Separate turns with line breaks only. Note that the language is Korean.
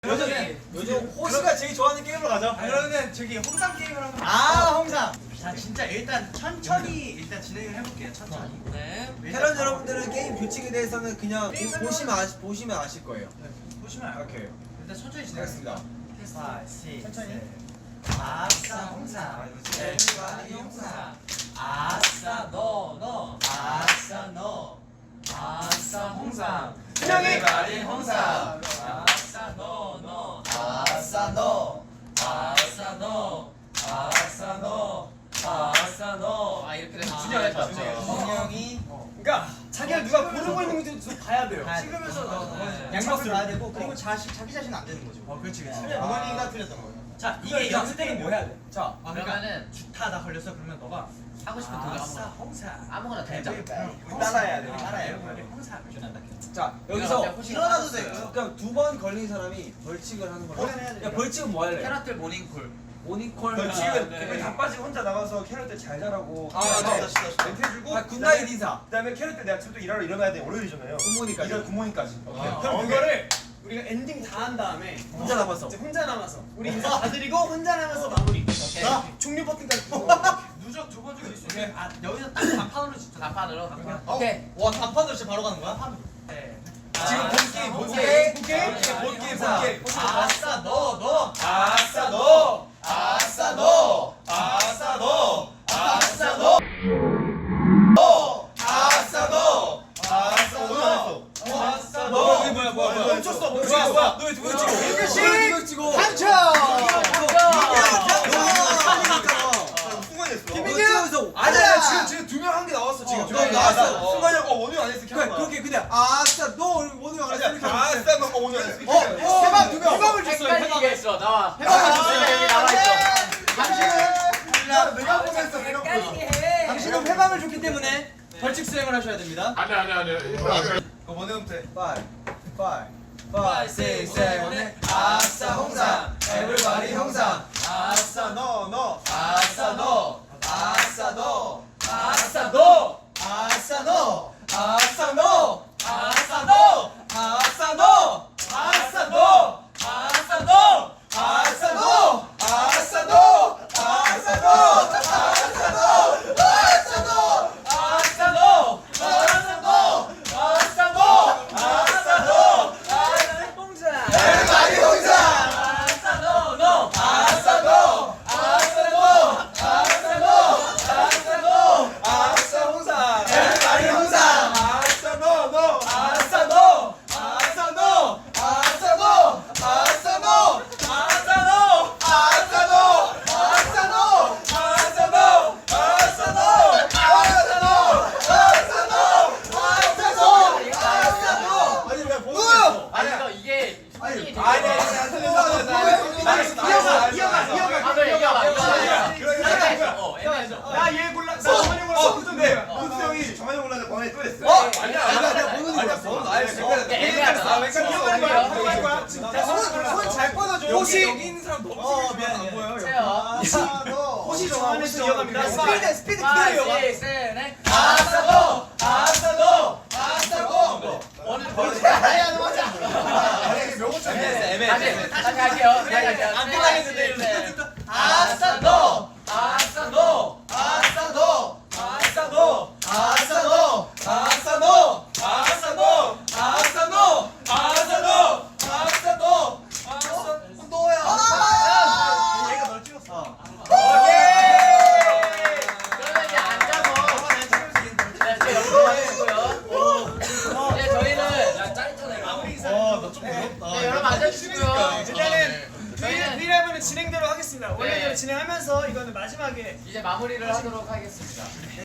요즘 호시가 제일 좋아하는 게임으로 가자.
그러면 저기 홍삼 게임을 한번.
홍삼.
자 진짜 일단 천천히 진행을 해볼게요. 천천히.
네.
패런 여러분들은 게임 규칙에 대해서는 그냥 보시면 아실 거예요.
보시면
오케이.
일단 천천히 진행하겠습니다.
알겠습니다.
천천히. 아싸 홍삼. everybody 홍삼. 아싸 너. 아싸 너. 아싸 홍삼. everybody 홍삼. 아싸 너. 아싸 너. 아싸 너. 아싸 너. 아싸 너.
아 이렇게 되면
준영했다.
준영이.
그러니까
자기가 누가 고르고 있는 건지 봐야 돼요.
찍으면서
양박을
봐야 되고 그리고 자기 자신 안 되는 거죠. 그렇지. 어머니가 틀렸던 거예요. 자 이게 연습 때는 뭐 해야 돼? 자
그러면은
주타 걸렸어 그러면 너가
하고 싶은 노래
아싸
아무거나
홍삼.
아무거나 대자.
따라해야 돼.
따라해요. 홍삼.
자 여기서 일어나도 되고요. 그냥 두 번 걸린 사람이 벌칙을 하는 걸로. 야 벌칙은 뭐 할래?
캐럿들 모닝콜.
모닝콜.
벌칙은
네.
우리 다 빠지고 혼자 나가서 캐럿들 잘 자라고 멘트 해주고
굿나잇 인사.
그다음에 캐럿들 내가 또 일하러 일어나야 돼 월요일이잖아요.
굿모닝까지.
일요일 굿모닝까지.
그럼 이거를 우리가 엔딩 다 한 다음에
혼자 남았어.
이제 혼자 남아서 우리 인사 다 드리고 혼자 남아서 마무리.
오케이.
자 종료 버튼까지. 누적 두 번 중에 있으면 아 여기서 딱 단판으로 진짜.
단판으로. 오케이.
와 단판으로 진짜 바로 가는 거야? 단판으로. 네.
지금 본게임
본게임. 아싸 너.
아싸 너. 아싸 너. 아싸 너. 아싸 너. 아싸 너. 아싸 너. 아싸 너.
뭐야?
멈췄어.
뭐야? 너왜 두명 찍어? 두명 찍어.
당첨.
김민규.
아니야 지금 두 명 한 게 나왔어 지금.
나왔어.
순간이가 원유 안 했어.
그렇게 그냥 아싸 너 오늘 안 했으니까.
아싸 너 원유 안 했어.
해방 두 명. 해방을 줬어요.
헷갈리게 했어. 나와.
해방을
여기 나와 있어.
내가 보냈어. 내가 보냈어.
당신은 해방을 줬기 때문에 벌칙 수행을 하셔야 됩니다.
아니. 그거 뭐네부터 해.
5, 6, 7, 8 아싸 홍삼 everybody 홍삼
아싸 너.
아싸 너 아싸 너
아싸 너.
아싸 너 아싸 너
아싸 너.
아싸 너
아싸 너.
아싸 너
아싸 너.
아싸 너 아싸 너 everybody 홍삼
아싸 너.
아싸 너 아싸 홍삼 everybody 홍삼
아싸 너.
아싸 너 아싸 너 아싸 너 아싸 너 아싸 너 아싸 너 아싸 너 아싸 너 아싸 너 아싸 너 아싸 너 아싸 너 아싸 너
아니 왜 보냈어?
아니 이거 이게 손이 되게
아니
아 그래 이겨봐.
나얘 골라. 나 정한이 골라. 근데 군수 형이 정한이 골라서 번에 또 했어.
아니야 내가 보는 거 봤어 나였어
애매하다.
손잘 뻗어줘.
혹시 여기 있는 사람 너무
미안해.
안 보여요
세요.
호시 정한에서 이어갑니다. 스피드
5,
그대로요.
6, 7, 8.
아싸 너 아싸 너 아싸 너
오늘
아야 너 맞아.
다시 할게요.
안 끝나겠는데.
아싸 너.
아싸 너 아싸 너 아싸 너 아싸 너 아싸 너 아싸 너 아싸 너 아싸 너 아싸 너 너야
얘가 널 찍었어.
그러면 이제 앉아서 네, 제 옆으로 앉으시고요. 이제 저희는
마무리 인사.
너좀
네, 여러분 앉아주시고요.
일단은
저희는
브이라이브는 진행대로 하겠습니다. 원래대로 진행하면서 이거는 마지막에
이제 마무리를 하도록 하겠습니다.